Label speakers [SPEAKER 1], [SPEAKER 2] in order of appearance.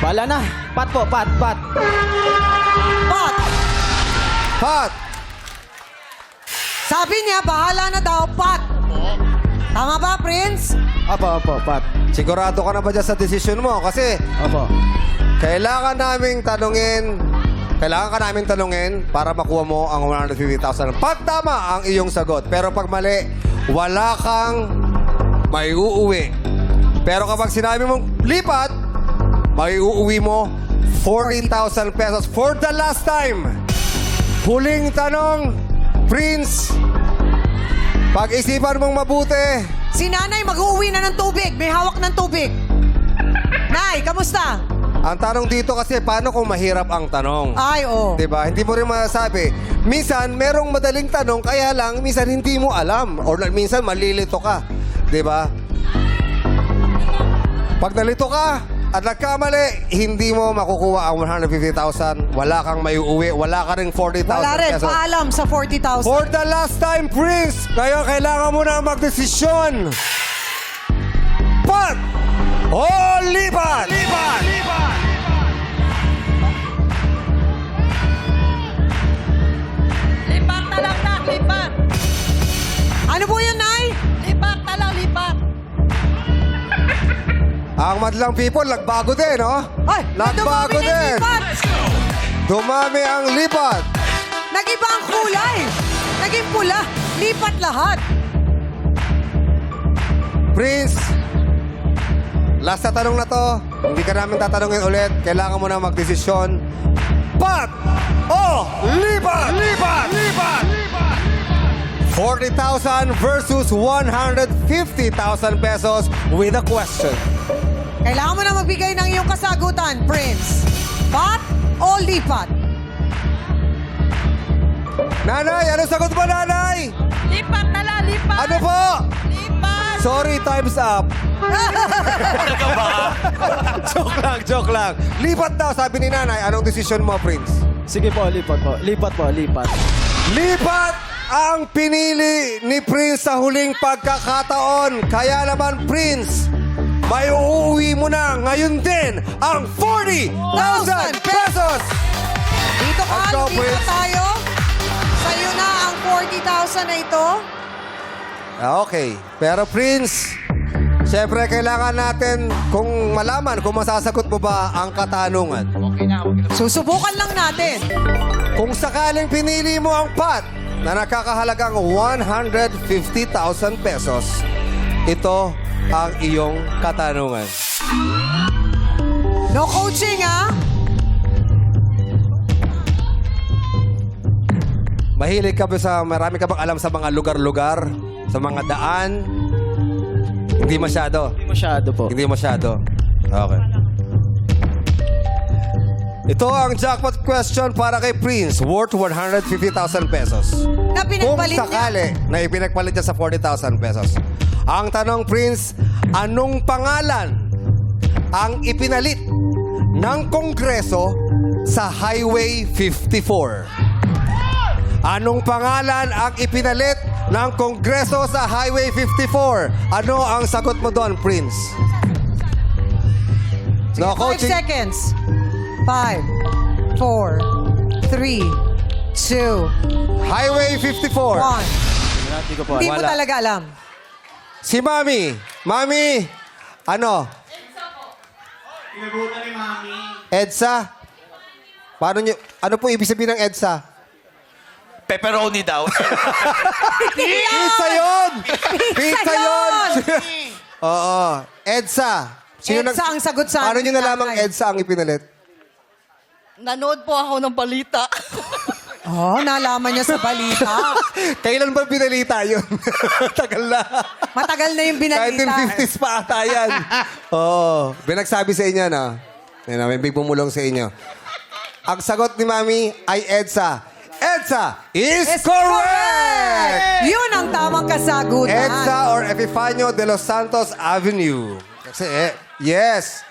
[SPEAKER 1] Wala na. Pat po, pat.
[SPEAKER 2] Pat!
[SPEAKER 3] Pat!
[SPEAKER 2] Sabi niya, bahala na daw, Pat. Tama ba, Prince?
[SPEAKER 1] Opo, pat.
[SPEAKER 3] Sigurado ka na ba dyan sa desisyon mo? Kasi
[SPEAKER 1] Opo.
[SPEAKER 3] kailangan ka namin tanungin para makuha mo ang 150,000. Pag tama ang iyong sagot, pero pag mali, wala kang may uuwi. Pero kapag sinabi mong lipat, may uuwi mo 40,000 pesos for the last time. Huling tanong, Prince. Pag-isipan mong mabuti.
[SPEAKER 2] Si Nanay mag-uuwi na ng tubig. May hawak ng tubig. Nay, kamusta?
[SPEAKER 3] Ang tanong dito kasi, paano kung mahirap ang tanong?
[SPEAKER 2] Ay, oh.
[SPEAKER 3] Diba? Hindi mo rin masasabi. Minsan, merong madaling tanong, kaya lang, minsan hindi mo alam. Or minsan, malilito ka. Diba? Pag nalito ka at nagkamali, hindi mo makukuha ang 150,000. Wala kang may uuwi. Wala ka ring 40,000
[SPEAKER 2] Wala rin.
[SPEAKER 3] pesos.
[SPEAKER 2] Paalam sa 40,000.
[SPEAKER 3] For the last time, Prince, ngayon kailangan mo na magdesisyon. Pat! O lipat! Lipat!
[SPEAKER 4] Lipat na lang, Nak. Lipat.
[SPEAKER 2] Ano po yun, Nay?
[SPEAKER 4] Lipat na lang, lipat.
[SPEAKER 3] Ang madlang people, nagbago din, no?
[SPEAKER 2] Ay,
[SPEAKER 3] Nagbago
[SPEAKER 2] dumami na yung
[SPEAKER 3] din.
[SPEAKER 2] lipat.
[SPEAKER 3] Dumami ang lipat.
[SPEAKER 2] Nag-iba ang kulay. Naging pula. Lipat lahat.
[SPEAKER 3] Prince, last na tanong na to. Hindi ka namin tatanungin ulit. Kailangan mo na magdesisyon. Pat! O lipat! Lipat! Lipat! 40,000 versus 150,000 pesos with a question.
[SPEAKER 2] Kailangan mo na magbigay ng iyong kasagutan, Prince. Pat o lipat?
[SPEAKER 3] Nanay, ano sagot mo, nanay?
[SPEAKER 4] Lipat na lang, lipat.
[SPEAKER 3] Ano po?
[SPEAKER 4] Lipat.
[SPEAKER 3] Sorry, time's up. Joke lang. Lipat daw, sabi ni nanay. Anong desisyon mo, Prince?
[SPEAKER 1] Sige po, lipat po. Lipat po, lipat.
[SPEAKER 3] Lipat ang pinili ni Prince sa huling pagkakataon. Kaya naman, Prince, may uuwi mo na ngayon din ang 40,000 pesos!
[SPEAKER 2] Dito ka,
[SPEAKER 3] Let's go,
[SPEAKER 2] dito
[SPEAKER 3] Prince.
[SPEAKER 2] tayo. Sa'yo na ang 40,000 na ito.
[SPEAKER 3] Okay. Pero Prince, siyempre kailangan natin kung malaman kung masasagot mo ba ang katanungan.
[SPEAKER 2] Susubukan lang natin.
[SPEAKER 3] Kung sakaling pinili mo ang pat na nakakahalagang 150,000 pesos, ito ang iyong katanungan.
[SPEAKER 2] No coaching, ha?
[SPEAKER 3] Mahilig ka ba marami ka bang alam sa mga lugar-lugar? Sa mga daan? Hindi masyado.
[SPEAKER 1] Hindi masyado po.
[SPEAKER 3] Hindi masyado. Okay. Ito ang jackpot question para kay Prince, worth 150,000 pesos.
[SPEAKER 2] Na
[SPEAKER 3] Kung
[SPEAKER 2] pinagpalit niya.
[SPEAKER 3] sakali na ipinagpalit niya sa 40,000 pesos. Ang tanong, Prince, anong pangalan ang ipinalit ng Kongreso sa Highway 54? Anong pangalan ang ipinalit ng Kongreso sa Highway 54? Ano ang sagot mo doon, Prince? No
[SPEAKER 2] 5
[SPEAKER 3] coaching.
[SPEAKER 2] seconds. 5, 4, 3, 2,
[SPEAKER 3] Highway 54.
[SPEAKER 2] 1.
[SPEAKER 1] Hindi ko po.
[SPEAKER 2] Hindi mo
[SPEAKER 3] Wala.
[SPEAKER 2] talaga alam.
[SPEAKER 3] Si Mami. Mami, ano?
[SPEAKER 5] Pinagutan ni Mami.
[SPEAKER 3] EDSA? Ano po ibig sabihin ng EDSA?
[SPEAKER 5] Pepperoni daw.
[SPEAKER 3] Pizza yun! Pizza yun! Oo. EDSA.
[SPEAKER 2] EDSA ang sagot sa
[SPEAKER 3] Paano
[SPEAKER 2] amin,
[SPEAKER 3] nyo nalamang
[SPEAKER 2] nanay.
[SPEAKER 3] EDSA ang ipinalit?
[SPEAKER 4] Nanood po ako ng balita.
[SPEAKER 2] Oh, nalaman niya sa balita.
[SPEAKER 3] Kailan ba pinalita yun? Tagal na.
[SPEAKER 2] Matagal na yung binalita.
[SPEAKER 3] 1950s pa ata yan. Oo. Binagsabi sa inyo, no? Yan, may big bumulong sa inyo. Ang sagot ni Mami ay EDSA. EDSA is
[SPEAKER 2] Is
[SPEAKER 3] correct!
[SPEAKER 2] Yun ang tamang kasagutan.
[SPEAKER 3] EDSA or Epifanio de los Santos Avenue. Kasi, yes.